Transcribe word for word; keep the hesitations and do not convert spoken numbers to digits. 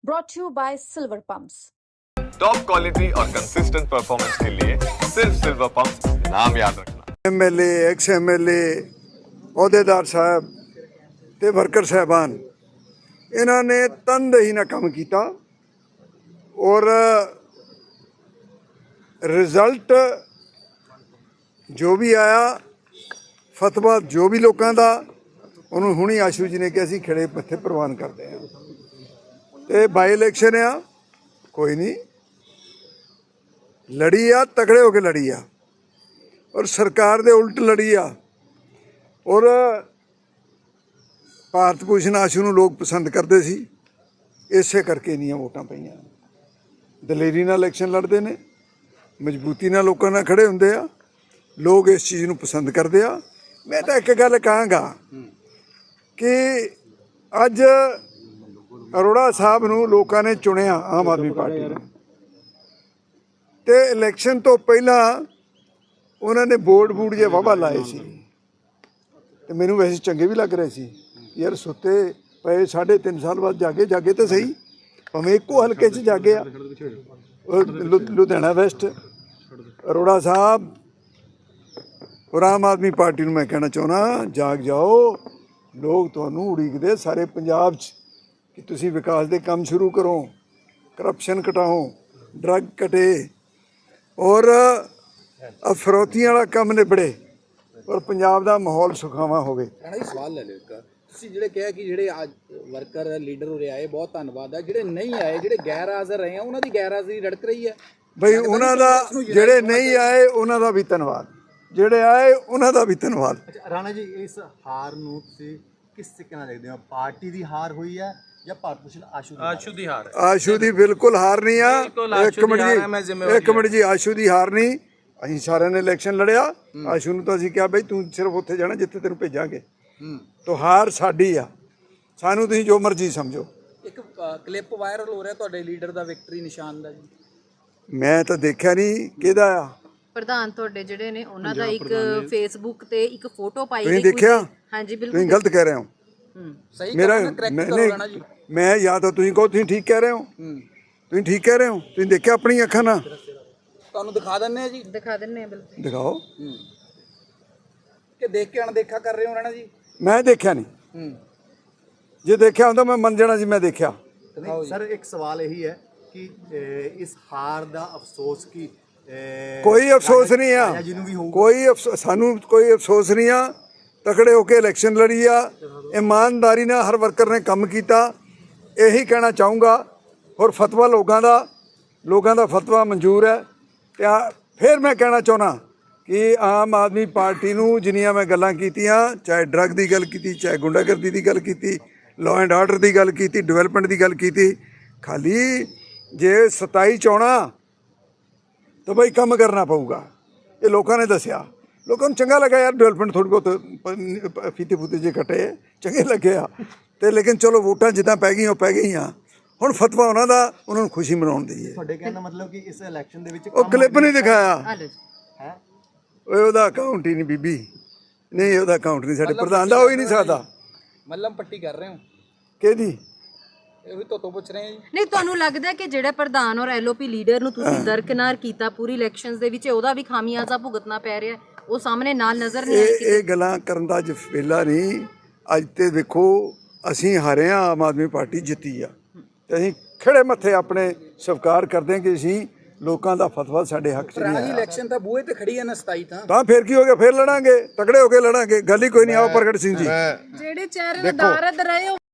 brought to you by Silver Pumps. Top quality और consistent performance के लिए सिर्फ सिल्वर पंप नाम याद रखना। एमएलए एक्स एमएलए अहुदेदार साहब ते वर्कर साहबान इन्होंने तनदेही ना काम किया और रिजल्ट जो भी आया फतवा जो भी लोगों का उन्होंने हुणी आशू जी ने कि असीं खड़े मत्थे प्रवान करते हैं। तो बाई इलैक्शन आ कोई नहीं लड़ी आ तगड़े होके लड़ी आ और सरकार दे उल्ट लड़ी आ और भारत भूषण आशू नूं लोग पसंद करते सी इसे करके इन्नियां वोटां पईयां। दलेरी नाल इलैक्शन लड़ते हैं मजबूती नाल लोकां नाल खड़े हुंदे आ लोग इस चीज़ नूं पसंद करते आ। मैं तो एक गल कहांगा कि अज अरोड़ा साहब नूं लोकां ने चुनिया आम आदमी पार्टी ने ते इलैक्शन तो पहला उन्होंने बोर्ड बूड जे वाहवा लाए सी ते मैनूं वैसे चंगे भी लग रहे सी यार सुते पे साढ़े तीन साल बाद जागे जागे तो सही भावें इक्को हल्के च जागे आ लु लुधियाना वैस्ट अरोड़ा साहब और आम आदमी पार्टी नूं मैं कहना चाहुंदा जाग जाओ लोग तुहानूं उड़ीकदे सारे पंजाब च कि तुसीं विकास दे काम शुरू करो करप्शन घटाओ ड्रग घटे और अफरौतियां वाला काम निबड़े और पंजाब दा माहौल सुखावा होवे। राणा जी सवाल ले लिਓ ਇੱਕ ਤੁਸੀਂ ਜਿਹੜੇ ਕਿਹਾ ਕਿ ਜਿਹੜੇ ਅੱਜ ਵਰਕਰ ਲੀਡਰ ਉਰੇ ਆਏ ਬਹੁਤ ਧੰਨਵਾਦ ਹੈ ਜਿਹੜੇ ਨਹੀਂ ਆਏ ਜਿਹੜੇ ਗੈਰ ਹਾਜ਼ਰ ਰਹੇ ਆ ਉਹਨਾਂ ਦੀ ਗੈਰ ਹਾਜ਼ਰੀ ਰੜਕ ਰਹੀ ਹੈ ਬਈ ਉਹਨਾਂ ਦਾ ਜਿਹੜੇ ਨਹੀਂ ਆਏ ਉਹਨਾਂ ਦਾ ਵੀ ਧੰਨਵਾਦ ਜਿਹੜੇ ਆਏ ਉਹਨਾਂ ਦਾ ਵੀ ਧੰਨਵਾਦ। ਰਾਣਾ ਜੀ ਇਸ ਹਾਰ ਨੂੰ ਤੁਸੀਂ ਕਿਸ ਤਰੀਕੇ ਨਾਲ ਦੇਖਦੇ ਹੋ ਪਾਰਟੀ ਦੀ ਹਾਰ ਹੋਈ ਹੈ ਜਾਂ ਭਾਰਤ ਭੂਸ਼ਣ ਆਸ਼ੂ ਦੀ आशू दी हार ਆਸ਼ੂ ਦੀ ਬਿਲਕੁਲ ਹਾਰ ਨਹੀਂ ਆ। ਇੱਕ ਮਿੰਟ ਜੀ ਇੱਕ ਮਿੰਟ ਜੀ ਆਸ਼ੂ ਦੀ ਹਾਰ ਨਹੀਂ ਅਸੀਂ ਸਾਰਿਆਂ ਨੇ ਇਲੈਕਸ਼ਨ ਲੜਿਆ ਆਸ਼ੂ ਨੂੰ ਤਾਂ ਅਸੀਂ ਕਿਹਾ ਬਈ ਤੂੰ ਸਿਰਫ ਉੱਥੇ ਜਾਣਾ ਜਿੱਥੇ ਤੈਨੂੰ ਭੇਜਾਂਗੇ ਤੋ ਹਾਰ ਸਾਡੀ ਆ ਸਾਨੂੰ ਤੁਸੀਂ ਜੋ ਮਰਜ਼ੀ ਸਮਝੋ। ਇੱਕ ਕਲਿੱਪ ਵਾਇਰਲ ਹੋ ਰਿਹਾ ਤੁਹਾਡੇ ਲੀਡਰ ਦਾ ਵਿਕਟਰੀ ਨਿਸ਼ਾਨ ਦਾ ਜੀ ਮੈਂ ਤਾਂ ਦੇਖਿਆ ਨਹੀਂ ਕਿਹਦਾ ਆ ਪ੍ਰਧਾਨ ਤੁਹਾਡੇ ਜਿਹੜੇ ਨੇ ਉਹਨਾਂ ਦਾ ਇੱਕ ਫੇਸਬੁੱਕ ਤੇ ਇੱਕ ਫੋਟੋ ਪਾਈ ਤੁਸੀਂ ਦੇਖਿਆ ਹਾਂਜੀ ਬਿਲਕੁਲ ਤੁਸੀਂ ਗਲਤ ਕਹਿ ਰਹੇ ਹੋ ਸਹੀ ਮੇਰਾ ਕਰੈਕਟ ਕਰੋ ਰਾਣਾ ਜੀ ਮੈਂ ਜਾਂ ਤਾਂ ਤੁਸੀਂ ਕਹੋ ਤੁਸੀਂ ਠੀਕ ਕਹਿ ਰਹੇ ਹੋ ਤੁਸੀਂ ਠੀਕ ਕਹਿ ਰਹੇ ਹੋ ਤੁਸੀਂ ਦੇਖਿਆ ਆਪਣੀ ਅੱਖਾਂ ਨਾਲ ਤੁਹਾਨੂੰ ਦਿਖਾ ਦਿੰਨੇ ਆ ਜੀ ਦਿਖਾ ਦਿੰਨੇ ਆ ਬਿਲਕੁਲ ਦਿਖਾਓ ਕਿ ਦੇਖ ਕੇ ਅਣਦੇਖਾ ਕਰ ਰਹੇ ਹੋ ਰਾਣਾ ਜੀ ਮੈਂ ਦੇਖਿਆ ਨਹੀਂ ਜੇ ਦੇਖਿਆ ਹੁੰਦਾ ਮੈਂ ਮੰਨ ਜਾਣਾ ਸੀ ਮੈਂ ਦੇਖਿਆ। ਸਰ ਇੱਕ ਸਵਾਲ ਇਹੀ ਹੈ ਕਿ ਇਸ ਹਾਰ ਦਾ ਅਫਸੋਸ ਕੀ ਕੋਈ ਅਫਸੋਸ ਨਹੀਂ ਆ ਕੋਈ ਅਫਸੋਸ ਸਾਨੂੰ ਕੋਈ ਅਫਸੋਸ ਨਹੀਂ ਆ ਤਕੜੇ ਹੋ ਕੇ ਇਲੈਕਸ਼ਨ ਲੜੀ ਆ ਇਮਾਨਦਾਰੀ ਨਾਲ ਹਰ ਵਰਕਰ ਨੇ ਕੰਮ ਕੀਤਾ ਇਹੀ ਕਹਿਣਾ ਚਾਹੂੰਗਾ। ਹੋਰ ਫਤਵਾ ਲੋਕਾਂ ਦਾ ਲੋਕਾਂ ਦਾ ਫਤਵਾ ਮਨਜ਼ੂਰ ਹੈ ਤੇ ਫਿਰ ਮੈਂ ਕਹਿਣਾ ਚਾਹੁੰਦਾ ਕਿ ਆਮ ਆਦਮੀ ਪਾਰਟੀ ਨੂੰ ਜਿੰਨੀਆਂ ਮੈਂ ਗੱਲਾਂ ਕੀਤੀਆਂ ਚਾਹੇ ਡਰੱਗ ਦੀ ਗੱਲ ਕੀਤੀ ਚਾਹੇ ਗੁੰਡਾਗਰਦੀ ਦੀ ਗੱਲ ਕੀਤੀ ਲਾਅ ਐਂਡ ਆਰਡਰ ਦੀ ਗੱਲ ਕੀਤੀ ਡਿਵੈਲਪਮੈਂਟ ਦੀ ਗੱਲ ਕੀਤੀ ਖਾਲੀ ਜੇ ਸਤਾਈ ਚਾਹੁੰਦਾ ਤਾਂ ਬਈ ਕੰਮ ਕਰਨਾ ਪਊਗਾ। ਇਹ ਲੋਕਾਂ ਨੇ ਦੱਸਿਆ ਲੋਕਾਂ ਨੂੰ ਚੰਗਾ ਲੱਗਾ ਯਾਰ ਡਿਵੈਲਪਮੈਂਟ ਥੋੜ੍ਹੀ ਬਹੁਤ ਫੀਤੇ ਫੂਤੇ ਜੇ ਕੱਟੇ ਚੰਗੇ ਲੱਗੇ ਆ ਅਤੇ ਲੇਕਿਨ ਚਲੋ ਵੋਟਾਂ ਜਿੱਦਾਂ ਪੈ ਗਈਆਂ ਉਹ ਪੈ ਗਈਆਂ ਹੁਣ ਫਤਵਾ ਉਹਨਾਂ ਦਾ ਉਹਨਾਂ ਨੂੰ ਖੁਸ਼ੀ ਮਨਾਉਣ ਦੀ ਹੈ। ਤੁਹਾਡੇ ਕਹਿਣ ਦਾ ਮਤਲਬ ਕਿ ਇਸ ਇਲੈਕਸ਼ਨ ਦੇ ਵਿੱਚ ਉਹ ਕਲਿੱਪ ਨਹੀਂ ਦਿਖਾਇਆ ਹੈ ਓਏ ਉਹਦਾ ਅਕਾਊਂਟ ਹੀ ਨਹੀਂ ਬੀਬੀ ਨਹੀਂ ਉਹਦਾ ਅਕਾਊਂਟ ਨਹੀਂ ਸਾਡੇ ਪ੍ਰਧਾਨ ਦਾ ਹੋ ਹੀ ਨਹੀਂ ਸਕਦਾ। ਮੱਲਮ ਪੱਟੀ ਕਰ ਰਹੇ ਹੋ ਕਿਹਦੀ ਇਹ ਵੀ ਤੋਂ ਪੁੱਛ ਰਹੇ ਆ ਜੀ ਨਹੀਂ ਤੁਹਾਨੂੰ ਲੱਗਦਾ ਕਿ ਜਿਹੜੇ ਪ੍ਰਧਾਨ ਔਰ ਐਲਓਪੀ ਲੀਡਰ ਨੂੰ ਤੁਸੀਂ ਦਰਕਨਾਰ ਕੀਤਾ ਪੂਰੀ ਇਲੈਕਸ਼ਨਸ ਦੇ ਵਿੱਚ ਉਹਦਾ ਵੀ ਖਾਮਿਆਜ਼ਾ ਭੁਗਤਣਾ ਪੈ ਰਿਹਾ ਉਹ ਸਾਹਮਣੇ ਨਾਲ ਨਜ਼ਰ ਨਹੀਂ ਇਹ ਇਹ ਗੱਲਾਂ ਕਰਨ ਦਾ ਅੱਜ ਵੇਲਾ ਨਹੀਂ। ਅੱਜ ਤੇ ਵੇਖੋ ਅਸੀਂ ਹਾਰੇ ਹਾਂ ਆਮ ਆਦਮੀ ਪਾਰਟੀ ਜਿੱਤੀ ਆ ਤੇ ਅਸੀਂ ਖੜੇ ਮੱਥੇ ਆਪਣੇ ਸਵੀਕਾਰ ਕਰਦੇ ਹਾਂ ਕਿ ਅਸੀਂ ਲੋਕਾਂ ਦਾ ਫਤਵਾ ਸਾਡੇ ਹੱਕ 'ਚ ਨਹੀਂ ਆਇਆ। ਇਲੈਕਸ਼ਨ ਤਾਂ ਬੂਹੇ ਤੇ ਖੜੀ ਹੈ ਨਾ ਸਤਾਈ ਤਾਂ ਤਾਂ ਫਿਰ ਕੀ ਹੋ ਗਿਆ ਫਿਰ ਲੜਾਂਗੇ ਤਗੜੇ ਹੋ ਕੇ ਲੜਾਂਗੇ ਗੱਲ ਹੀ ਕੋਈ ਨਹੀਂ। ਆਓ ਪ੍ਰਗਟ ਸਿੰਘ ਜੀ ਜਿਹੜੇ ਚਿਹਰੇ ਦਾ ਦਾਰਦ ਰਹੇ